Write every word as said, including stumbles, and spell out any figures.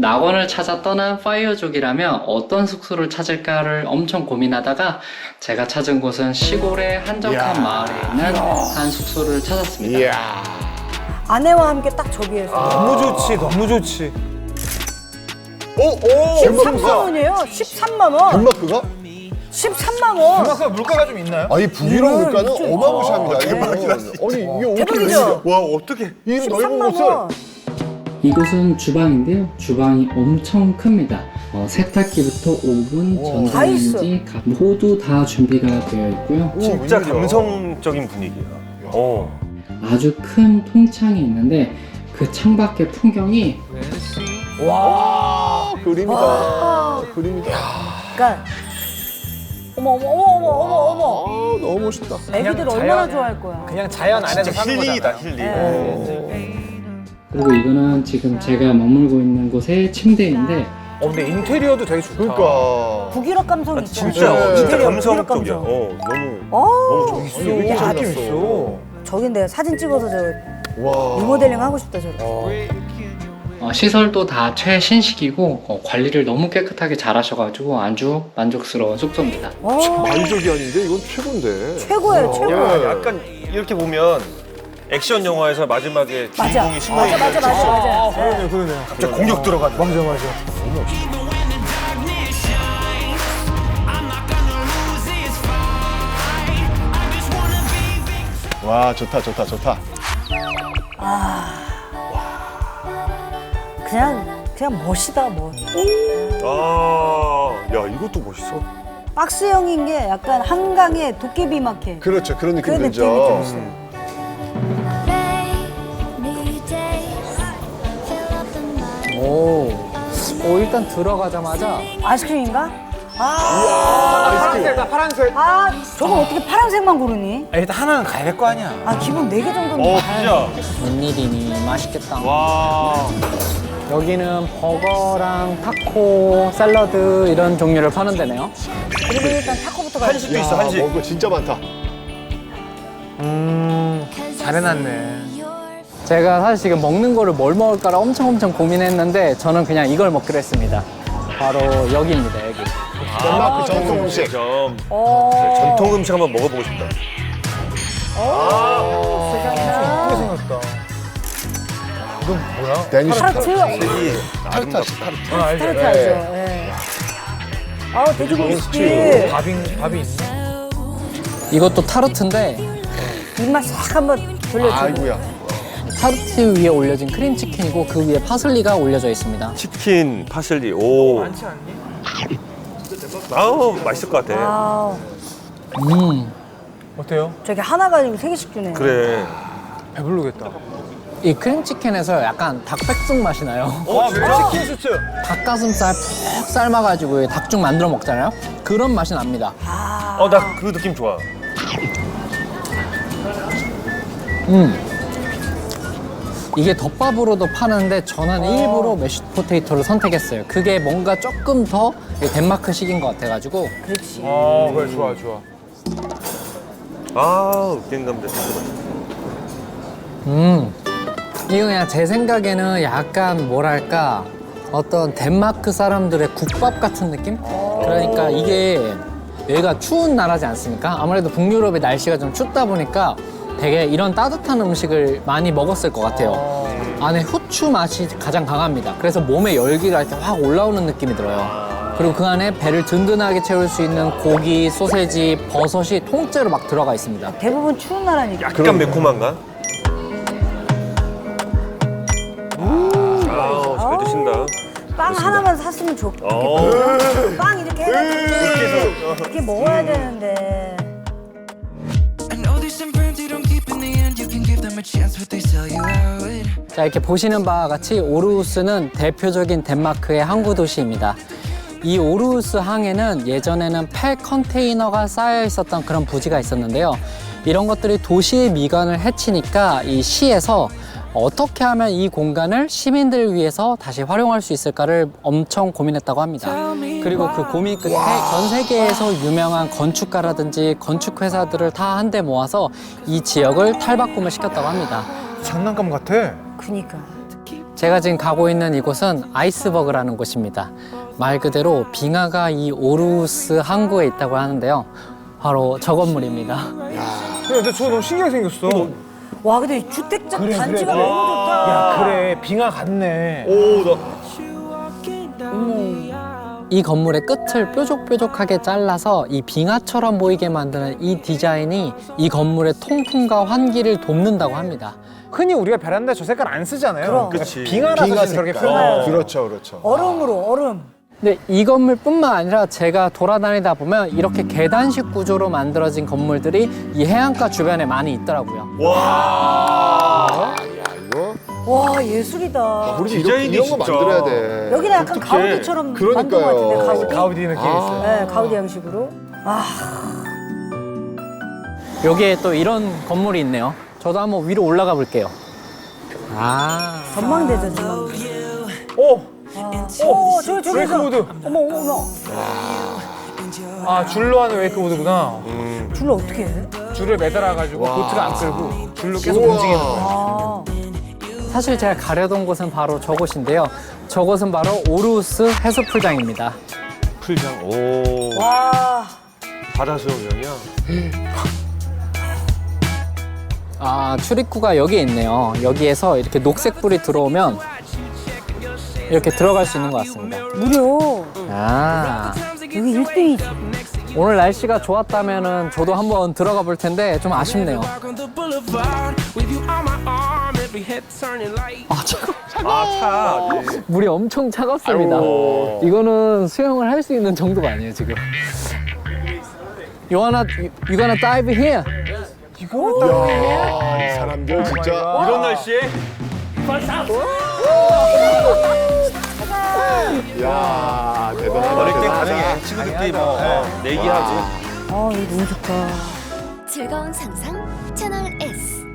낙원을 찾아 떠난 파이어족이라면 어떤 숙소를 찾을까를 엄청 고민하다가 제가 찾은 곳은 시골의 한적한 이야. 마을에 있는 한 숙소를 찾았습니다. 이야. 아내와 함께 딱 저기에서. 너무 좋지, 너무 좋지. 오, 오. 십삼만 원이에요. 십삼만 원. 덴마크가? 십삼만 원. 덴마크가 물가가 좀 있나요? 아니 북유럽 이걸 물가는 진짜- 어마무시합니다. 이게 뭐, 대박이다, 아니 이게 어떻게 대박이죠? 와 어떻게 이 넓은 십삼만 곳을 원. 이곳은 주방인데요. 주방이 엄청 큽니다. 어, 세탁기부터 오븐, 다 있어. 전자레인지 가- 모두 다 준비가 되어 있고요. 진짜 웬일이야. 감성적인 분위기야. 어. 아주 큰 통창이 있는데 그 창밖의 풍경이 와. 그림이다. 와. 그림이다. 그러니까 어머 어머 어머 어머 어머 어머. 아 너무 멋있다. 애기들 그냥 얼마나 자연- 좋아할 거야. 그냥 자연 안에서 진짜 사는 힐링이다, 거잖아요. 힐링. 네. 그리고 이거는 지금 제가 머물고 있는 곳의 침대인데 어, 근데 인테리어도 되게 좋다. 그러니까. 북유럽 감성 아, 있죠. 진짜, 네. 진짜 인테리어, 감성적이야. 북유럽 감성. 어, 너무. 어. 너무 있어, 여기 여기 잘 느낌 났어. 있어. 저긴 내가 사진 찍어서 저 와. 리모델링 하고 싶다 저렇게. 어. 어, 시설도 다 최신식이고 어, 관리를 너무 깨끗하게 잘 하셔가지고 아주 만족스러운 숙소입니다. 와, 만족이 아닌데 이건 최고인데. 최고예요 최고. 야, 약간 이렇게 보면 액션 영화에서 마지막에 맞아. 주인공이 숨어 맞아 있는 맞아 맞아 맞아. 그러네, 그러네. 갑자기 공격 들어가는. 맞아, 맞아. 와 좋다 좋다 좋다. 그냥 그냥 멋이다 뭐. 아, 야, 이것도 멋있어. 박스형인 게 약간 한강의 도깨비 마켓. 그렇죠 그런 느낌 그런 들죠. 느낌이 좀 있어요. 오, 오 일단 들어가자마자 아이스크림인가? 아, 파란색이다, 파란색. 아 저걸 어떻게 파란색만 고르니? 아, 일단 하나는 가야 될 거 아니야. 아 기본 네 개 정도는 어, 가야 진짜. 웬일이니 맛있겠다. 와. 여기는 버거랑 타코, 샐러드 이런 종류를 파는 데네요. 그리고 일단 타코부터 가야 돼. 한식도 있어, 한식. 먹을 거 진짜 많다. 음, 잘 해놨네. 제가 사실 지금 먹는 거를 뭘 먹을까를 엄청 엄청 고민했는데 저는 그냥 이걸 먹기로 했습니다. 바로 여기입니다, 여기. 덴마크 전통 음식. 점. 어. 전통 음식 한번 먹어보고 싶다. 예쁘게 생겼다. 이건 뭐야? 데니시 타르트. 색이 타르트 아름답다. 하시 타르트. 아, 알죠. 타르트 예, 알죠? 예. 예. 아우 돼지고기 스틱. 밥이, 밥이 있네. 이것도 타르트인데 입맛 싹 한번 돌려주고. 아이고야. 타르트 위에 올려진 크림치킨이고 그 위에 파슬리가 올려져 있습니다. 치킨, 파슬리, 오. 많지 않니? 아우, 맛있을 것 같아. 아 음, 어때요? 저기 하나 가지고 세 개씩 주네. 그래. 배부르겠다. 이 크림치킨에서 약간 닭백숙 맛이 나요. 와, 진짜? 치킨 수트. 닭가슴살 푹 삶아가지고 닭죽 만들어 먹잖아요. 그런 맛이 납니다. 아. 어, 나 그 느낌 좋아. 음. 이게 덮밥으로도 파는데 저는 일부러 메쉬 포테이토를 선택했어요. 그게 뭔가 조금 더 덴마크식인 것 같아가지고. 그렇지. 어, 그래, 좋아, 좋아. 아, 갱감자. 음. 이거 그냥 제 생각에는 약간 뭐랄까 어떤 덴마크 사람들의 국밥 같은 느낌? 그러니까 이게 여기가 추운 나라지 않습니까? 아무래도 북유럽의 날씨가 좀 춥다 보니까 되게 이런 따뜻한 음식을 많이 먹었을 것 같아요. 안에 후추 맛이 가장 강합니다. 그래서 몸에 열기가 이렇게 확 올라오는 느낌이 들어요. 그리고 그 안에 배를 든든하게 채울 수 있는 고기, 소세지, 버섯이 통째로 막 들어가 있습니다. 대부분 추운 나라니까. 약간 매콤한가? 아우, 잘 드신다. 빵 하나만 샀으면 좋겠다. 어. 빵 이렇게 해가지고 이렇게 먹어야 되는데. I know there's some firms you don't keep in the end. You can give them a chance, but they sell you out. 자, 이렇게 보시는 바와 같이 오르우스는 대표적인 덴마크의 항구 도시입니다. 이 오르우스 항에는 예전에는 폐 컨테이너가 쌓여 있었던 그런 부지가 있었는데요. 이런 것들이 도시의 미관을 해치니까 이 시에서 어떻게 하면 이 공간을 시민들을 위해서 다시 활용할 수 있을까를 엄청 고민했다고 합니다. 그리고 그 고민 끝에 전 세계에서 유명한 건축가라든지 건축회사들을 다 한데 모아서 이 지역을 탈바꿈을 시켰다고 합니다. 장난감 같아. 그니까. 제가 지금 가고 있는 이곳은 아이스버그라는 곳입니다. 말 그대로 빙하가 이 오르우스 항구에 있다고 하는데요. 바로 저 건물입니다. 근데 저거 너무 신기하게 생겼어. 와 근데 이 주택자 그래, 단지가 그래. 너무 좋다. 야, 그래. 빙하 같네. 오, 나 이 건물의 끝을 뾰족뾰족하게 잘라서 이 빙하처럼 보이게 만드는 이 디자인이 이 건물의 통풍과 환기를 돕는다고 합니다. 흔히 우리가 베란다에 저 색깔 안 쓰잖아요. 그럼. 그러니까 그치. 빙하라서 빙하 지금 저렇게 색깔. 표현해요. 그렇죠, 그렇죠. 얼음으로 얼음. 근데 이 건물뿐만 아니라 제가 돌아다니다 보면 이렇게 계단식 구조로 만들어진 건물들이 이 해안가 주변에 많이 있더라고요. 야, 이거 와 예술이다. 우리 디자인이 이런, 이런 거 진짜. 만들어야 돼. 여기는 약간 독특해. 가우디처럼 만든 것 그러니까요. 같은데 가우디. 가우디 느낌이 있어요. 네 가우디 형식으로. 아 여기에 또 이런 건물이 있네요. 저도 한번 위로 올라가 볼게요. 아, 전망대죠 전망대. 오! 오 저기 저기 웨이크보드. 어머 어머 어머. 아, 줄로 하는 웨이크보드구나. 줄로 어떻게 해? 줄을 매달아가지고 와. 보트를 안 끌고 줄로 계속 우와. 움직이는 거야. 아 사실 제가 가려던 곳은 바로 저곳인데요. 저곳은 바로 오르우스 해수풀장입니다. 풀장. 오, 와. 바다 수영장이야. 아, 출입구가 여기에 있네요. 여기에서 이렇게 녹색 불이 들어오면 이렇게 들어갈 수 있는 것 같습니다. 무료. 아, 여기 일 등이지. 오늘 날씨가 좋았다면은 저도 한번 들어가 볼 텐데 좀 아쉽네요. Walk on the boulevard with you on my arm, every head turning light. 아, 차가 아, 차. 네. 물이 엄청 차갑습니다. 아이고. 이거는 수영을 할 수 있는 정도가 아니에요, 지금. You wanna, you gonna dive here? 야, 이 사람들 진짜. 이런 날씨에? 야, 대단하다. 어릴 때 대단하다. 가능해. 친구들끼리 뭐 어, 내기하지. 아 이거 너무 좋다. 즐거운 상상 채널 S